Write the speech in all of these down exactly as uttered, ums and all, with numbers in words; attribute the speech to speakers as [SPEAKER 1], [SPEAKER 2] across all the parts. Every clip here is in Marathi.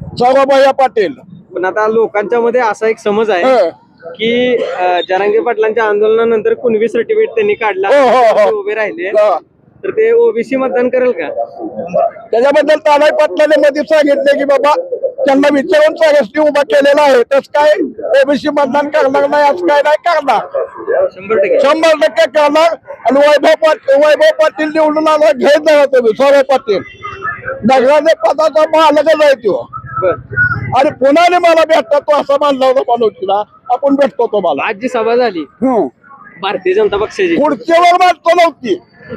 [SPEAKER 1] सौरभैया पाटील.
[SPEAKER 2] पण आता लोकांच्या मध्ये असा एक समज आहे
[SPEAKER 1] हं.
[SPEAKER 2] की अं, जरांगे पाटलांच्या आंदोलनानंतर कुणबी सर्टिफिकेट त्यांनी काढला,
[SPEAKER 1] हो, हो, हो.
[SPEAKER 2] ते उभे राहिले,
[SPEAKER 1] हं.
[SPEAKER 2] तर ते ओबीसी मतदान करेल का?
[SPEAKER 1] त्याच्याबद्दल तानाजी पाटलाने मध्ये सांगितले की बाबा त्यांना विचारून सगळ्यांनी उभा केलेला आहे, तस काय ओबीसी मतदान करणार नाही असं काय नाही करणार.
[SPEAKER 2] शंभर टक्के
[SPEAKER 1] शंभर टक्के करणार. आणि वैभव पाटील वैभव पाटील निवडून आला घेत जा तुम्ही. सौरभ पाटील नगराचे पदाचा मालकच आहे तो.
[SPEAKER 2] बर.
[SPEAKER 1] आणि पुन्हा मला भेटता तो असं मानला होता मनोजला, आपण भेटतो तुम्हाला.
[SPEAKER 2] आज जी सभा झाली
[SPEAKER 1] हम्म.
[SPEAKER 2] भारतीय जनता पक्षाची,
[SPEAKER 1] खुर्चीवर मारतो नव्हती.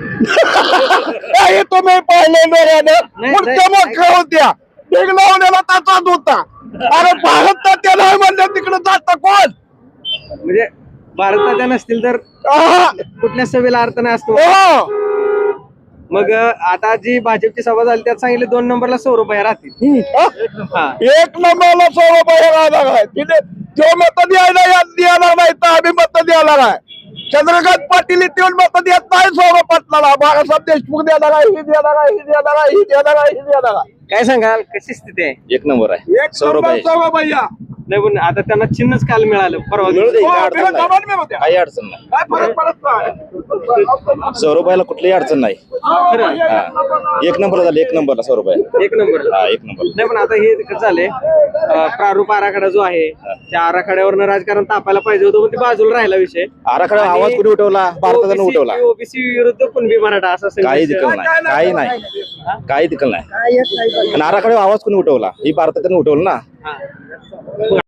[SPEAKER 1] हे तुम्ही पाहिले डोळ्यानं.
[SPEAKER 2] नाही,
[SPEAKER 1] खुर्च्या
[SPEAKER 2] नाही.
[SPEAKER 1] मोकळ्या होत्या, बिग लावलेला ताचाच होता. अरे भारत तर नाही म्हणलं, तिकडे जात कोण?
[SPEAKER 2] म्हणजे भारताच्या नसतील तर
[SPEAKER 1] आहा.
[SPEAKER 2] कुठल्या सभेला अर्थ नाही असतो.
[SPEAKER 1] हो.
[SPEAKER 2] मग अं, आता जी भाजपची सभा झाली त्यात सांगितले दोन नंबरला सौरभैया राहतील.
[SPEAKER 1] हम्म.
[SPEAKER 2] हा.
[SPEAKER 1] एक नंबरला सौरभ राहणार आहे. तिथे तो मत द्यायला द्यायला नाही तर आम्ही मत द्यायला नाही. चंद्रकांत पाटील इथे मत देत नाही सौरभ पाटलाला. बाळासाहेब देशमुख देणार आहे, ही देणार आहे, ही देणार आहे, ही देणार आहे, ही देणार आहे.
[SPEAKER 2] काय सांगाल, कशी स्थिती आहे?
[SPEAKER 3] एक नंबर आहे.
[SPEAKER 1] एक नंबर सौरभैया.
[SPEAKER 2] नाही पण आता त्यांना चिन्हच काल मिळालं परवा
[SPEAKER 3] मिळू
[SPEAKER 2] दिवशी.
[SPEAKER 3] दे,
[SPEAKER 1] हो,
[SPEAKER 3] काय अडचण
[SPEAKER 1] बिना
[SPEAKER 3] नाही.
[SPEAKER 1] जबान में होत्या.
[SPEAKER 3] काही अडचण नाही.
[SPEAKER 1] काय फरक पडत नाही.
[SPEAKER 3] सौरभला कुठलीही अडचण नाही.
[SPEAKER 2] खरं?
[SPEAKER 3] हा. एक नंबर झाले, एक नंबरला सौरभ
[SPEAKER 2] एक नंबर.
[SPEAKER 3] हा एक नंबर.
[SPEAKER 2] नाही पण आता हे कसं झालंय, अं, प्रारूप आराखडा जो आहे त्या आराखड्यावरनं राजकारण तापायला पाहिजे होतं, पण ते बाजूला राहिला विषय.
[SPEAKER 3] आराखडा आवाज कुणी उठवला? भारतानं उठवला.
[SPEAKER 2] ओबीसी विरुद्ध कुणबी मराठा असा
[SPEAKER 3] काही
[SPEAKER 2] संघर्ष.
[SPEAKER 3] दिकल नाही, काही नाही, काही दिकल नाही. आणि आराखडा आवाज कुणी उठवला? ही भारतानं उठवलं ना.
[SPEAKER 2] हा.